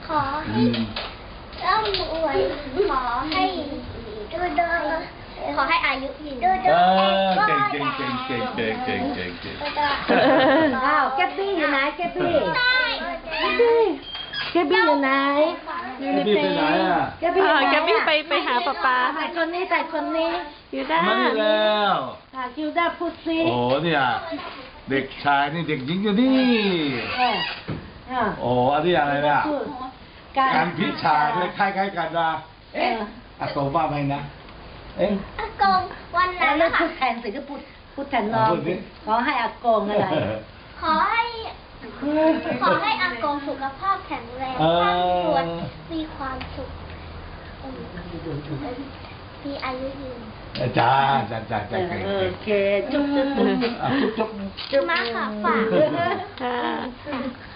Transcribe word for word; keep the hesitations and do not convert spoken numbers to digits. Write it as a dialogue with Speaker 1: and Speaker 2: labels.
Speaker 1: ขอให้ร่ำรวยขอให้ดูดูขอให้อายุยืนดูดู
Speaker 2: เก่งเก่งเก่งเก่งเก่งเก่งเก่งเก่ง
Speaker 3: อ้าวแกปปี้อยู่ไหนแกปปี้
Speaker 1: ได้
Speaker 3: แกปปี้อยู่ไหน
Speaker 2: พี่ไปไหนอ่ะ
Speaker 3: แกปปี้
Speaker 4: อ่า
Speaker 3: อยู่ไหน
Speaker 4: แกปปี้ไปไปหาป๊าป๊า
Speaker 3: แต่คนนี้แต่คนนี้
Speaker 4: อยู่ด้า
Speaker 2: มานี่แล้ว
Speaker 3: ค่ะคิวด้าพูดซิ
Speaker 2: โอ้เนี่ยเด็กชายนี่เด็กหญิงอยู่นี่
Speaker 3: เออเออ
Speaker 2: โอ้อันนี้อะไรเนี่ย
Speaker 3: พูด
Speaker 2: การพิชาคล้ายๆกันนะเอ๊ะอากงว่าไงนะเอ๊ะ
Speaker 1: อากงวัน
Speaker 3: แล้
Speaker 1: นั้
Speaker 3: วน เลิก
Speaker 1: ค่ะ
Speaker 3: พูดแทนสิก็พูดพูดแทนน้อง
Speaker 2: พูดสิ
Speaker 3: ขอให้อากงอะไร
Speaker 1: ขอให้ ขอให้อากงสุขภาพแข็งแรง
Speaker 2: เออ
Speaker 1: ร่ำรวยมีความสุขมีอายุยืน
Speaker 2: จ้าจ้าจ้าจ้าเก่ง
Speaker 3: โอ
Speaker 2: เก่ง
Speaker 3: เคจุ๊บจุ๊บจุ๊บ
Speaker 2: อ่ะจุ๊บจุ๊บ
Speaker 1: มาค่ะฝาก
Speaker 4: ค่ะ